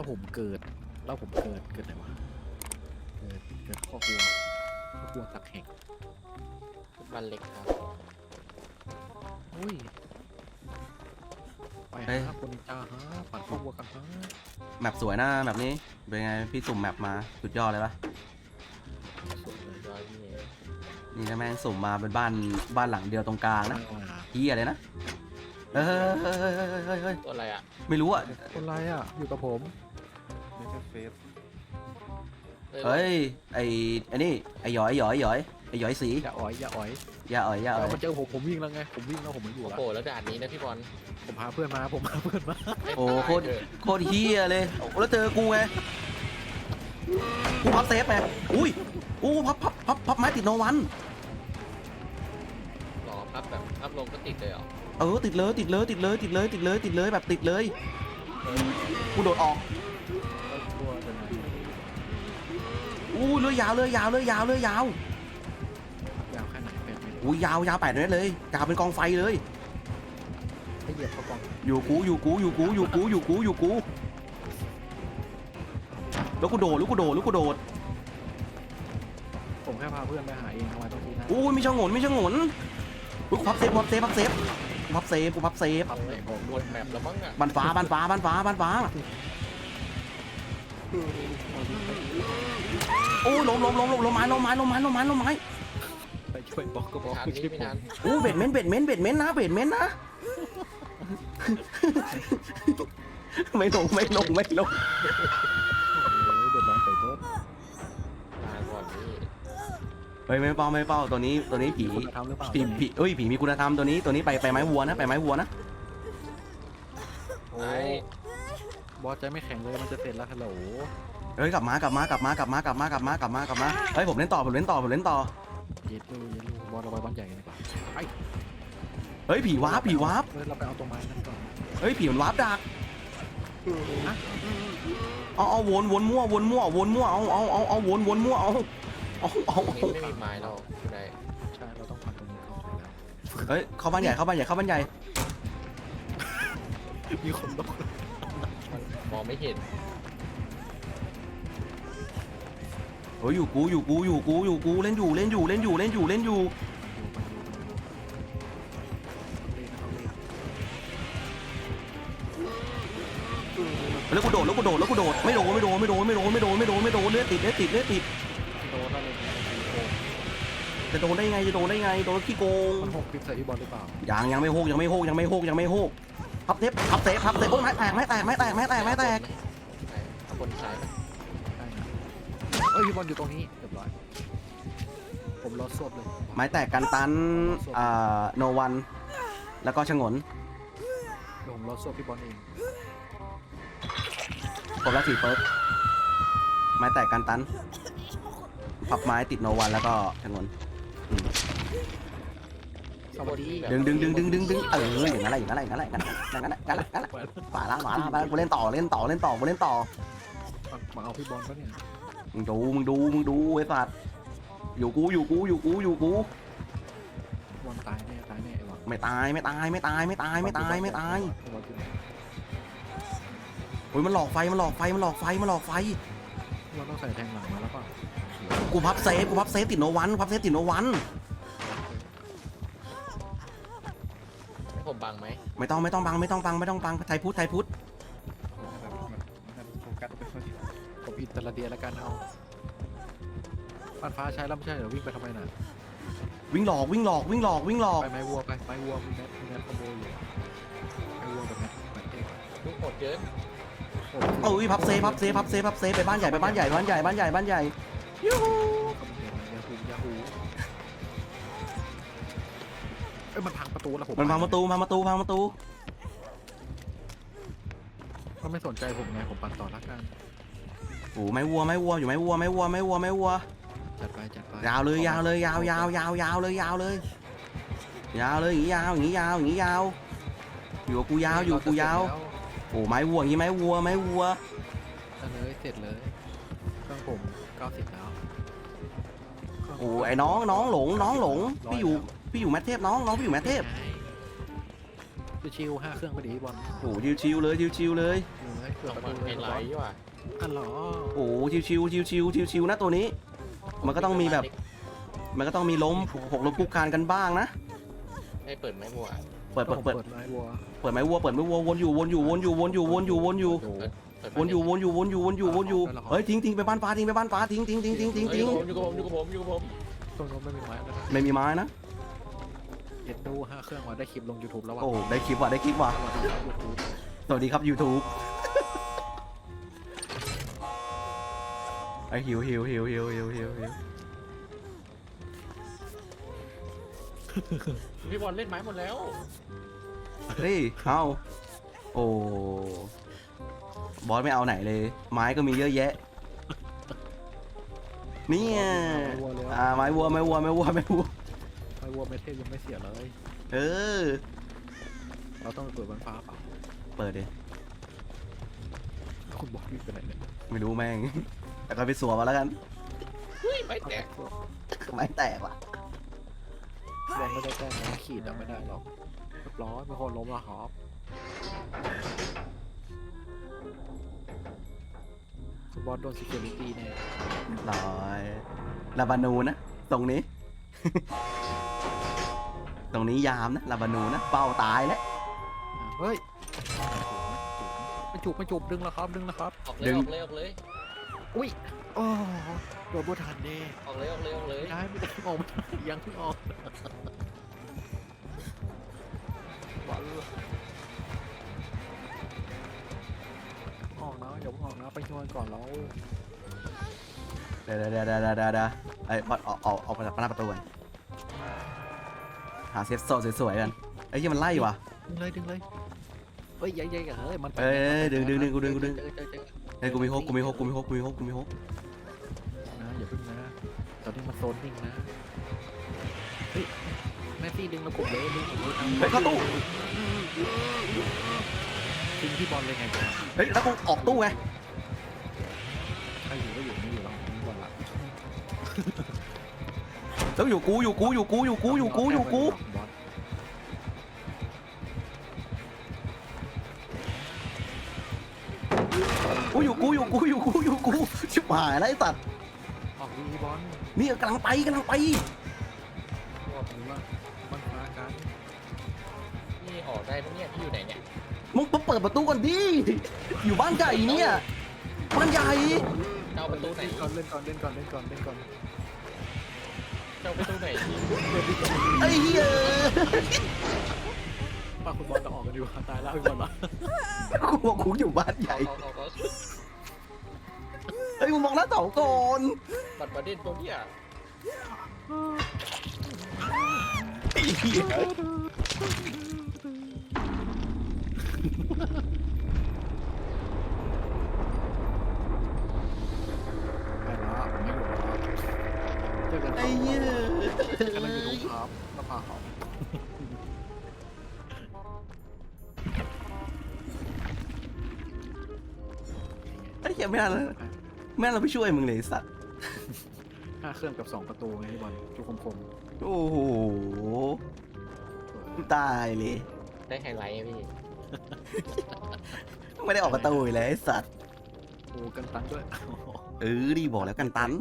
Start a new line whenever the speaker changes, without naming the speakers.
ผมเกิดเกิดไหนวะเกิดข้อครัวตักแห่ง
บ้านเล็กครับ
อุ้ยไปฮะคนจ้าฮะปั่นข้อครัวกันฮะ
แมปสวยนะแบบนี้เป็นไงพี่สุ่มแมปมาสุดยอดเลยปะ
สวยเลย
ร้อยพี่
นี่นะแม่งสุ่มมาเป็นบ้านหลังเดียวตรงกลางนะเฮียเลยนะเฮ้ย
ตัวอะไรอ่ะ
ไม่รู้อ่ะ
คนไรอ่ะอยู่กับผมในเฟซ
เฮ้ยไอ้นี่ไอ้หยอยสี
อย่าอ๋อย
อย่าอ่อย
มันเจอผมวิ่งแล้วไงผมวิ่งแล้วผมไม่อยู่
โอ้
แล้ว
โหแล้วด่านนี้นะพี่บอล
ผมพาเพื่อนมา
โอ้โคตรเฮียเลยแล้วเจอกูไงกูพับเซฟไงอุ้ยอู้พับไม้ติดโนวัน
หรอพับแบบพับลงก็ติดเลยเหรอ
ติดเลยแบบติดเลยกูโดดออก
กลัวจะไหน
อู้เลื่อยยาว
ยาวแค่ไหน8 เมตร
อู้ยาว8 เมตรเลยยาวเป็นกองไฟเลย
ให้เหยียบเขากอง
อยู่กูแล้วกูโดด
ผมแค่พาเพื่อนไปหาเองทำไมต้องทีนะ
อู้มีช่องหนกูพับเซฟพับเซฟ
ทำไหนบอก
หมดแมปแล้วมั้งอ่ะ
บันฟ้าโอ้ล้มไม้
ไปช่วยบอกก็บอก
ชาร์จ
คือ
นี้
ชิป
ไม่
ผม
นาน
โอ้เบ็ดเม้นนะไม่ลง
โอ้ยเดือดร้อนไปโทษ
มาก่อนนี่
เฮ้ยไม่เป้าตัวนี้ผี
คุณทำหรือเปล่า
ผีมีคุณธรรมตัวนี้ไปไม้วัวนะ
โอ้บอสใจไม่แข็งเลยมันจะเสร็จแล้วฮัลโหล
เฮ้ยกลับมาเฮ้ยผมเล่นต่อ
เย็ดลูบอสเราไปบ้านใหญ่กันดีกว่าไป
เฮ้ยผีวาร์ป
เราไปเอาตรงไม้นั่นก่อน
เฮ้ยผีมันวาร์ปดักเอาวนมั่วเอาวนมั่วเอา
ตรงนี้ไม่มีไม้เราได้
ใช่เราต้องผ่านตรงนี้เข้าไปแล้ว
เฮ้ยเข้าบ้านใหญ่
มีคนต้อง
มองไม่เห็น
เฮ้ยอยู่กูเล่นอยู่แล้วกูโดดไม่โดนเลือดติด
โดนแล้วเลย
จะโดนได้ไงโดนขี้โกง
มัน6 ปิดใส่พี่บอลหรือเปล่า
ยังไม่โฮกพับเซฟโอ้ยไม้แตก
เอาคนซ้ายไป
ได้นะพี่บอลอยู่ตรงนี้เรียบร้อยผมรอสวบเลย
ไม้แตกกันตันโนวันแล้วก็ชงน
ผมรอสวบพี่บอลเอง
ผมละ4 เฟิร์สไม้แตกกันตันพับไม้ติดโนวันแล้วก็ชงน
สวัสดี
ดึงอย่างนั้นป่าละกูเล่นต่อ
มาเอาพี่บอลปะเนี่ย
มึงดูไอ้สัตว์อยู่กู
บอลตายแน่ไอ้บอล
ไม่ตายโอ้ยมันหลอกไฟ
บอลต้องใส่แทงหลังมาแล้วป่ะ
กูพับเซฟติดโนวัน
ให้ผมบังไหม
ไม่ต้องบังไทยพุทธ
โฟกัสไปผมอินเตอร์เดียแล้วกันเอาบ้านฟ้าใช้แล้วไม่ใช่เหรอวิ่งไปทำไมน่ะ
วิ่งหลอก
ไปไม้วัวมีแมทคอมโบอยู่ไม้วัวกับแมทเอง
ลูกโหดเกิน
เอ้ยพับเซฟไปบ้านใหญ่ยูฮู
ยาฮูมันพังประตูแล้วผม
มันพังประตู
มันไม่สนใจผมไงผมปั่นต่อละกัน
โอ้ไม้วัวอยู่ไม้วัว
จัดไป
ยาวเลยอย่างนี้ยาวอยู่กับกูยาวโอ้ไม้วัวอย่างนี้ไม้วัว
เลยเสร็จเลยเครื่องผม90แล้ว
โอ้ไอ้น้องหลงพี่อยู่แมทเทพน้องพี่อยู่แมทเทพ
ชิว5 เครื่องไปดีบอล
โอ้ชิวเลย
อยู่เลยเปิด
ต้อง
ประ
มา
ตู
ไฮ
เลย
ไลท์ว่ะ
อันเหรอ
โอ้ชิวๆนะตัวนี้ มันก็ต้องมีแบบ มันก็ต้องมีล้มหกล้มคุกคานกันบ้างนะ
ให้เปิดไหมบัว
เปิด
ผมเปิดไม้วัว
เปิดไม้วัววนอยู่วนอยู่
โอ้โห
เปิด
วนอยู่เฮ้ยทิ้งไปบ้านฟ้าทิ้ง
อยู่กับผมอยู่กับผม
ตรงนู้นไม่มีไม้แล้วนะ
ไม่มีไม้นะ
เห็นดู5 เครื่องมาได้คลิปลง YouTube แล้วว่ะ
โอ้ได้คลิปว่ะสวัสดีครับ YouTube ไอหิว
พี่บอลเล่นไม้หมดแล้ว
เฮ้ยเอาโอ้บอสไม่เอาไหนเลย ไม้ก็มีเยอะแยะเนี่ยไม้วัว
ไม้วัวเมเทลยังไม่เสียเลย
เออ
เราต้องไปเปิดบนฟ้าเปล่า
เปิดดิ
คุณบอกวิ่งไปไหนเนี่ย
ไม่รู้แม่ง แต่ก็ไปสัวมาแล้วกัน
อุ้ยไม่แตก
ไม้แตกว่ะ
บอลไม่ได้แต้มนะขีดอะไม่ได้หรอกเรียบร้อยมีคนล้มและครับคุณบอลโดน security แน่
ร้อยลาบานูนะ ตรงนี้ ตรงนี้ยามนะลาบานูนะเป้าตายแล้ว
เฮ้ยไม่จูบดึงแล้วครับดึงแล้วครับ
ออกเลย
อุ้ยโอ้โดนบัวทันแน่
ออกเลย
ไม่ได้ออกมายังเพิ่งออกบอลออกนะอย่าเพิ่งออกนะไปช่วยก่อนแล้ว
เดี๋ยวไอ้บอสออกมาจากหน้าประตูก่อนหาเซฟโซสวยๆกันไอ้ยี่มันไล่ว่ะ
ดึงเลยเฮ้ยใหญ่เฮ้ยมัน
เอ้ยดึงกูดึง
เจอ
เฮ้ยกูมีฮกนะอย่าพึ่ง
นะตอนนี้มันโซนนิ่งนะเฮ้ยแม่ซี่ดึงแล้วกดเลยดึง
เฮ้ยเข้าตู้
ดึงที่บอลเลยไงจ๊ะ
เฮ้ยแล้วกูออกตู้ไง
ใครอยู่ก็อยู่ไม่อยู่แล้วบอลละ
แล้วอยู่กูบอสกูอยู่กูชิบหายแล้วไอ้สัตว์
ออกดีบอล
นี่กำลังไป
บอกเลยว่ามันมากัน
นี่ออกได้ปะเนี่ยพี่อยู่ไหนเนี่ย
มึงเปิดประตูก่อนดิอยู่บ้านใหญ่เนี่ยบ้านใหญ่
เจ้าประตูไหน
เล่นก่อน
เจ้าประตูไหน
ไอ้เหี้ย
ป้าคุณบอลจะออกกันอยู่ตายแล้วคุณบอลละ
กูบอกกูอยู่บ้านใหญ่
เอา
เฮ้ยมึงมองหน้าเสาก่อน
บัตรประเด็นตัวเนี่ย
ไอ้เหี้ย
ไปแล้วไม่อยู่แล้วเจอกัน
ไอ้เหี้ย
กำลังอยู่ตรงครับมาพาเขา
ไอ้เหี้ยไม่น่าเราไปช่วยมึงเลยไอ้สัตว์
5 เครื่องกับ 2 ประตูไงพี่บอลจุกคม
โอ้โหตายเลย
ได้ไฮไลท์พี่
ไม่ได้ออกประตูเลยไอ้สัตว์
โอ้กันตันด้วย
ดีบอกแล้วกันตัน